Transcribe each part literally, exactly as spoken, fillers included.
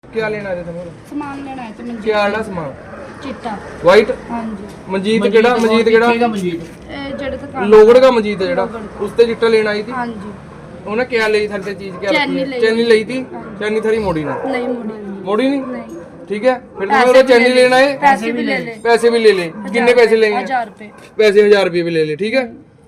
क्या लेना आए थे? सामान लेना है तो मंजीत क्या आना सामान? चिट्टा। वाइट हाँ जी। ਮਨਜੀਤ ਕਿਹੜਾ? ਮਨਜੀਤ ਕਿਹੜਾ? ए, जेड़े तो काम- ਲੋਗੜ ਦਾ ਮਨਜੀਤ ਹੈ ਜਿਹੜਾ ਲੋਹਗੜ੍ਹ ਦਾ। ਉਸ ਤੇ ਚਿੱਟਾ ਲੈਣ ਆਈ थी। हाँ जी। ਉਹਨੇ ਕਿਆ ਲਈ ਥਾਰੇ ਤੇ ਚੀਜ਼ ਕਿਆ ਚੈਨੀ ਰੱਖੀ ਲਈ। ਚੈਨੀ ਲਈ थी। हाँ। ਚੈਨੀ ਥਾਰੀ ਮੋੜੀ ਨਹੀਂ नहीं मुड़ी ਮੋੜੀ ਨਹੀਂ नहीं। ठीक है फिर तुम्हें पैसे वो भी चैनी ले ले। लेना है पैसे भी ले ले। पैसे भी ले ले कितने पैसे लेंगे? हजार रुपए। पैसे हजार रुपए भी ले ले ठीक है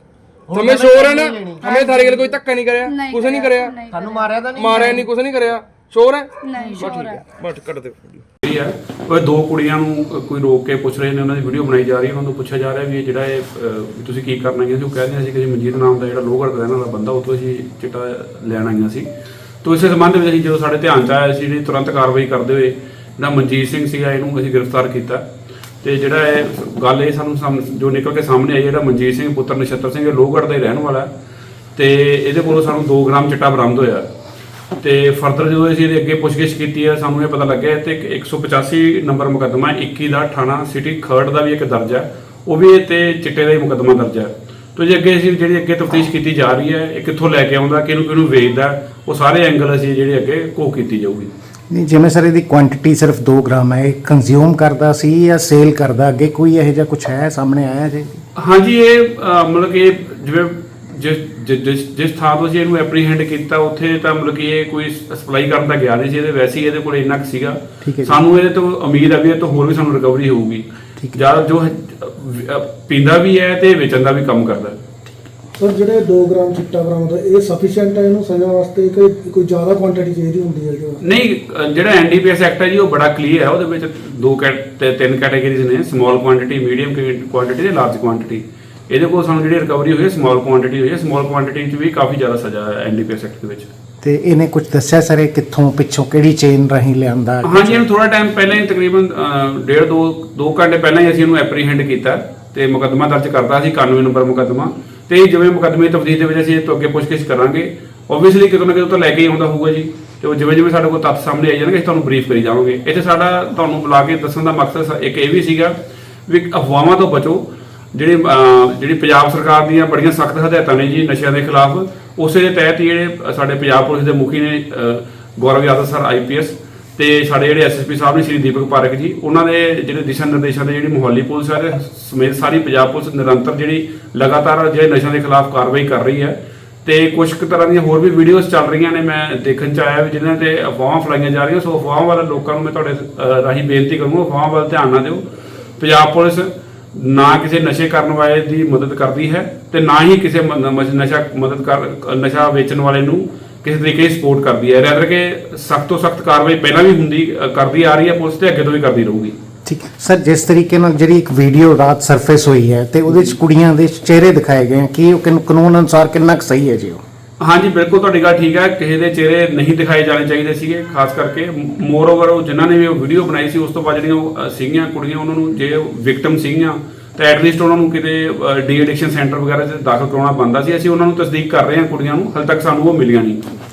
हमें शोर है ना हमें थारे गल कोई धक्का नहीं कराया नहीं कुछ नहीं कराया, कराया नहीं ਸਾਨੂੰ ਮਾਰਿਆ ਤਾਂ ਨਹੀਂ मारा नहीं कुछ नहीं कराया शोर है नहीं बस शोर ठीक है। है बस कर दे ਇਹ ਹੈ ਉਹ ਦੋ ਕੁੜੀਆਂ ਨੂੰ ਕੋਈ ਰੋਕ ਕੇ ਪੁੱਛ ਰਹੇ ਨੇ, ਉਹਨਾਂ ਦੀ ਵੀਡੀਓ ਬਣਾਈ ਜਾ ਰਹੀ ਹੈ, ਉਹਨਾਂ ਤੋਂ ਪੁੱਛਿਆ ਜਾ ਰਿਹਾ ਵੀ ਇਹ ਜਿਹੜਾ ਇਹ ਅਹ, ਵੀ ਤੁਸੀਂ ਕੀ ਕਰਨਾ ਹੈ। ਅਸੀਂ ਉਹ ਕਹਿ ਰਹੇ ਸੀ ਕਿ ਮਨਜੀਤ ਨਾਮ ਦਾ ਜਿਹੜਾ ਲੋਹਗੜ੍ਹ ਦਾ ਰਹਿਣ ਵਾਲਾ ਬੰਦਾ ਉਹ ਤੋਂ ਅਸੀਂ ਚਿੱਟਾ ਲੈਣ ਆਈਆਂ ਸੀ। ਤੋਂ ਇਸੇ ਸੰਬੰਧ ਵਿੱਚ ਅਸੀਂ ਜਦੋਂ ਸਾਡੇ ਧਿਆਨ 'ਚ ਆਇਆ ਸੀ ਜਿਹੜੀ ਤੁਰੰਤ ਕਾਰਵਾਈ ਕਰਦੇ ਹੋਏ ਜਿਹੜਾ ਮਨਜੀਤ ਸਿੰਘ ਸੀਗਾ ਇਹਨੂੰ ਅਸੀਂ ਗ੍ਰਿਫਤਾਰ ਕੀਤਾ। ਤੇ ਜਿਹੜਾ ਇਹ ਗੱਲ ਇਹ ਸਾਨੂੰ ਸਾਹਮ- ਜੋ ਨਿਕਲ ਕੇ ਸਾਹਮਣੇ ਆਈ ਜਿਹੜਾ ਮਨਜੀਤ ਸਿੰਘ ਪੁੱਤਰ ਨਛੱਤਰ ਸਿੰਘ ਇਹ ਲੋਹਗੜ੍ਹ ਦਾ ਹੀ ਰਹਿਣ ਵਾਲਾ ਤੇ ਇਹਦੇ ਕੋਲੋਂ ਸਾਨੂੰ ਦੋ ਗ੍ਰਾਮ ਚਿੱਟਾ ਬਰਾਮਦ ਹੋਇਆ। ਤੇ ਫਰਦਰ ਜਦੋਂ ਅਸੀਂ ਇਹਦੇ ਅੱਗੇ ਪੁੱਛਗਿੱਛ ਕੀਤੀ ਹੈ ਸਾਨੂੰ ਇਹ ਪਤਾ ਲੱਗਿਆ ਤੇ ਇੱਕ ਸੌ ਪਚਾਸੀ ਨੰਬਰ ਮੁਕੱਦਮਾ ਇੱਕੀ ਦਾ ਥਾਣਾ ਸਿਟੀ ਖਰੜ ਦਾ ਵੀ ਇੱਕ ਦਰਜ ਹੈ, ਉਹ ਵੀ ਇਹ ਤੇ ਚਿੱਟੇ ਦਾ ਹੀ ਮੁਕੱਦਮਾ ਦਰਜ ਹੈ। ਤੋ ਜੇ ਅੱਗੇ ਅਸੀਂ ਜਿਹੜੀ ਅੱਗੇ ਤਫਤੀਸ਼ ਕੀਤੀ ਜਾ ਰਹੀ ਹੈ ਇਹ ਕਿੱਥੋਂ ਲੈ ਕੇ ਆਉਂਦਾ ਕਿਹਨੂੰ ਕਿਹਨੂੰ ਵੇਚਦਾ ਉਹ ਸਾਰੇ ਐਂਗਲ ਅਸੀਂ ਜਿਹੜੇ ਅੱਗੇ ਘੋਖ ਕੀਤੀ ਜਾਊਗੀ। ਨਹੀਂ ਜਿਵੇਂ ਸਰ ਇਹਦੀ ਕੁਆਂਟੀਟੀ ਸਿਰਫ ਦੋ ਗ੍ਰਾਮ ਹੈ, ਇਹ ਕੰਜ਼ਿਊਮ ਕਰਦਾ ਸੀ ਜਾਂ ਸੇਲ ਕਰਦਾ, ਅੱਗੇ ਕੋਈ ਇਹੋ ਜਿਹਾ ਕੁਝ ਹੈ ਸਾਹਮਣੇ ਆਇਆ ਜੀ? ਹਾਂਜੀ ਇਹ ਅਹ, ਮਤਲਬ ਕਿ ਜਿਵੇਂ ਜਿਸ ਜਿਸ- ਜਿਸ ਜਿਸ ਥਾਂ ਤੋਂ ਅਸੀਂ ਇਹਨੂੰ ਐਪਰੀਹੈਂਡ ਕੀਤਾ ਉੱਥੇ ਤਾਂ ਮਤਲਬ ਕਿ ਇਹ ਕੋਈ ਸਪਲਾਈ ਕਰਨ ਦਾ ਗਿਆ ਨਹੀਂ ਸੀ, ਇਹਦੇ ਵੈਸੇ ਹੀ ਇਹਦੇ ਕੋਲ ਇੰਨਾ ਕੁ ਸੀਗਾ। ਠੀਕ ਹੈ ਜੀ। ਸਾਨੂੰ ਇਹਦੇ ਤੋਂ ਉਮੀਦ ਹੈ ਵੀ ਇਹ ਤੋਂ ਹੋਰ ਵੀ ਸਾਨੂੰ ਰਿਕਵਰੀ ਹੋਊਗੀ। ਠੀਕ ਹੈ। ਜਾਂ ਜੋ ਅਹ, ਪੀਂਦਾ ਵੀ ਹੈ ਤੇ ਵੇਚਣ ਦਾ ਵੀ ਕੰਮ ਕਰਦਾ ਹੈ। ਸਰ ਜਿਹੜੇ ਦੋ ਗ੍ਰਾਮ ਚਿੱਟਾ ਬਰਾਮਦ ਹੋਇਆ ਇਹ ਸਫੀਸ਼ੀਐਂਟ ਹੈ ਇਹਨੂੰ ਸਜ਼ਾ ਵਾਸਤੇ ਕਿ ਕੋਈ ਜ਼ਿਆਦਾ ਕੁਆਂਟੀਟੀ ਚਾਹੀਦੀ ਹੁੰਦੀ ਹੈ ਜੋ? ਨਹੀਂ ਅਹ, ਜਿਹੜਾ ਐਨਡੀਪੀਐਸ ਐਕਟ ਹੈ ਜੀ ਉਹ ਬੜਾ ਕਲੀਅਰ ਹੈ, ਉਹਦੇ ਵਿੱਚ ਦੋ ਕੈਟ ਤੇ ਤਿੰਨ ਕੈਟਾਗਰੀਜ਼ ਨੇ, ਸਮਾਲ ਕੁਆਂਟੀਟੀ, ਮੀਡੀਅਮ ਕੁਆਂਟੀਟੀ ਤੇ ਲਾਰਜ ਕੁਆਂਟੀਟੀ। ਇਹਦੇ ਕੋਲ ਸਾਨੂੰ ਜਿਹੜੀ ਰਿਕਵਰੀ ਹੋਈ ਹੈ ਸਮਾਲ ਕੁਆਂਟੀਟੀ ਹੋਈ ਹੈ, ਸਮਾਲ ਕੁਆਂਟੀਟੀ 'ਚ ਵੀ ਕਾਫੀ ਜ਼ਿਆਦਾ ਸਜ਼ਾ ਹੈ ਐਨਡੀਪੀਐਸ ਐਕਟ ਦੇ ਵਿੱਚ। ਤੇ ਇਹਨੇ ਕੁਝ ਦੱਸਿਆ ਸਰ ਇਹ ਕਿੱਥੋਂ ਪਿੱਛੋਂ ਕਿਹੜੀ ਚੇਨ ਰਾਹੀਂ ਲਿਆਂਦਾ? ਹਾਂਜੀ ਇਹਨੂੰ ਥੋੜਾ ਟਾਈਮ ਪਹਿਲਾਂ ਹੀ ਤਕਰੀਬਨ ਅਹ, ਡੇਢ ਦੋ ਦੋ ਘੰਟੇ ਪਹਿਲਾਂ ਹੀ ਅਸੀਂ ਇਹਨੂੰ ਐਪਰੀਹੈਂਡ ਕੀਤਾ ਤੇ ਮੁਕੱਦਮਾ ਦਰਜ ਕਰਤਾ ਸੀ ਇਕਾਨਵੇਂ ਨੰਬਰ ਮੁਕੱਦਮਾ। ਤੇ ਜਿਵੇਂ ਮੁਕੱਦਮੇ ਦੀ ਤਫਤੀਸ਼ ਦੇ ਵਿੱਚ ਅਸੀਂ ਇਹ ਤੋਂ ਅੱਗੇ ਪੁੱਛਗਿੱਛ ਕਰਾਂਗੇ, ਓਬਵੀਅਸਲੀ ਕਿਤੋਂ ਨਾ ਕਿਤੋਂ ਤਾਂ ਲੈ ਕੇ ਹੀ ਆਉਂਦਾ ਹੋਊਗਾ ਜੀ। ਤੇ ਉਹ ਜਿਵੇਂ ਜਿਵੇਂ ਸਾਡੇ ਕੋਲ ਤੱਥ ਸਾਹਮਣੇ ਆਈ ਜਾਣਗੇ ਅਸੀਂ ਤੁਹਾਨੂੰ ਬਰੀਫ ਕਰੀ ਜਾਵਾਂਗੇ। ਇੱਥੇ ਸਾਡਾ ਤੁਹਾਨੂੰ ਬੁਲਾ ਕੇ ਦੱਸਣ ਦਾ ਮਕਸਦ ਸ- ਇੱਕ ਇਹ ਵੀ ਸੀਗਾ ਵੀ ਅਫਵਾਹਾਂ ਤੋਂ ਬਚੋ। ਜਿਹੜੀ ਅਹ, ਜਿਹੜੀ ਪੰਜਾਬ ਸਰਕਾਰ ਦੀਆਂ ਬੜੀਆਂ ਸਖਤ ਹਦਾਇਤਾਂ ਨੇ ਜੀ ਨਸ਼ਿਆਂ ਦੇ ਖਿਲਾਫ, ਉਸੇ ਦੇ ਤਹਿਤ ਹੀ ਜਿਹੜੇ ਸਾਡੇ ਪੰਜਾਬ ਪੁਲਿਸ ਦੇ ਮੁਖੀ ਨੇ ਅਹ, Gaurav Yadav sir I P S ਤੇ ਸਾਡੇ ਜਿਹੜੇ ਐਸ ਐਸ ਪੀ ਸਾਹਿਬ ਨੇ ਸ਼੍ਰੀ ਦੀਪਕ ਪਾਰਕ ਜੀ, ਉਹਨਾਂ ਦੇ ਜਿਹੜੇ ਦਿਸ਼ਾ ਨਿਰਦੇਸ਼ਾਂ ਦੇ ਜਿਹੜੀ ਮੁਹੱਲੀ ਪੁਲਿਸ ਹੈ ਤੇ ਸਮੇਤ ਸਾਰੀ ਪੰਜਾਬ ਪੁਲਿਸ ਨਿਰੰਤਰ ਜਿਹੜੀ ਲਗਾਤਾਰ ਜਿਹੜੇ ਨਸ਼ਿਆਂ ਦੇ ਖਿਲਾਫ ਕਾਰਵਾਈ ਕਰ ਰਹੀ ਹੈ। ਤੇ ਕੁਝ ਕੁ ਤਰ੍ਹਾਂ ਦੀਆਂ ਹੋਰ ਵੀ ਵੀਡੀਓਜ਼ ਚੱਲ ਰਹੀਆਂ ਨੇ, ਮੈਂ ਦੇਖਣ ਚ ਆਇਆ ਵੀ ਜਿਨ੍ਹਾਂ ਤੇ ਅਫਵਾਹਾਂ ਫੈਲਾਈਆਂ ਜਾ ਰਹੀਆਂ। ਸੋ ਅਫਵਾਹਾਂ ਵਾਲੇ ਲੋਕਾਂ ਨੂੰ ਮੈਂ ਤੁਹਾਡੇ ਅਹ, ਰਾਹੀਂ ਬੇਨਤੀ ਕਰੂੰਗਾ ਅਫਵਾਹਾਂ ਵੱਲ ਧਿਆਨ ਨਾ ਦਿਓ। ਪੰਜਾਬ ਪੁਲਿਸ ਨਾ ਕਿਸੇ ਨਸ਼ੇ ਕਰਨ ਵਾਲੇ ਦੀ ਮਦਦ ਕਰਦੀ ਹੈ ਤੇ ਨਾ ਹੀ ਕਿਸੇ ਮ- ਨ- ਨਸ਼ਾ ਮਦਦ ਕਰ ਨਸ਼ਾ ਵੇਚਣ ਵਾਲੇ ਨੂੰ ਕਿਸੇ ਤਰੀਕੇ ਦੀ ਸਪੋਰਟ ਕਰਦੀ ਹੈ। ਰੈਦਰ ਕਿ ਸਖਤ ਤੋਂ ਸਖਤ ਕਾਰਵਾਈ ਪਹਿਲਾਂ ਵੀ ਹੁੰਦੀ ਅ, ਕਰਦੀ ਆ ਰਹੀ ਹੈ ਪੁਲਿਸ ਤੇ ਅੱਗੇ ਤੋਂ ਵੀ ਕਰਦੀ ਰਹੂਗੀ। ਠੀਕ ਸਰ, ਜਿਸ ਤਰੀਕੇ ਨਾਲ ਜਿਹੜੀ ਇੱਕ ਵੀਡੀਓ ਰਾਤ ਸਰਫੇਸ ਹੋਈ ਹੈ ਤੇ ਉਹਦੇ ਚ ਕੁੜੀਆਂ ਦੇ ਚਿਹਰੇ ਦਿਖਾਏ ਗਏ ਕਿ ਉਹ ਕਿਨ- ਕਾਨੂੰਨ ਅਨੁਸਾਰ ਕਿੰਨਾ ਕੁ ਸਹੀ ਹੈ ਜੀ ਉਹ? ਹਾਂਜੀ ਬਿਲਕੁਲ ਤੁਹਾਡੀ ਗੱਲ ਠੀਕ ਹੈ, ਕਿਸੇ ਦੇ ਚਿਹਰੇ ਨਹੀਂ ਦਿਖਾਏ ਜਾਣੇ ਚਾਹੀਦੇ ਸੀਗੇ, ਖਾਸ ਕਰਕੇ ਮੋਰ ਓਵਰ ਉਹ ਜਿਨ੍ਹਾਂ ਨੇ ਵੀ ਉਹ ਵੀਡੀਓ ਬਣਾਈ ਸੀ ਉਸ ਤੋਂ ਬਾਅਦ ਜਿਹੜੀਆਂ ਉਹ, ਅ, ਸੀਗੀਆਂ ਕੁੜੀਆਂ ਉਹਨਾਂ ਨੂੰ ਜੇ ਵਿਕਟਮ ਸੀਗੀਆਂ ਤਾਂ ਐਟਲੀਸਟ ਉਹਨਾਂ ਨੂੰ ਕਿਤੇ ਡੀ ਐਡਿਕਸ਼ਨ ਸੈਂਟਰ ਵਗੈਰਾ 'ਚ ਦਾਖਲ ਕਰਾਉਣਾ ਬਣਦਾ ਸੀ। ਅਸੀਂ ਉਹਨਾਂ ਨੂੰ ਤਸਦੀਕ ਕਰ ਰਹੇ ਹਾਂ ਕੁੜੀਆਂ ਨੂੰ, ਹਾਲੇ ਤੱਕ ਸਾਨੂੰ ਉਹ ਮਿਲੀਆਂ ਨਹੀਂ।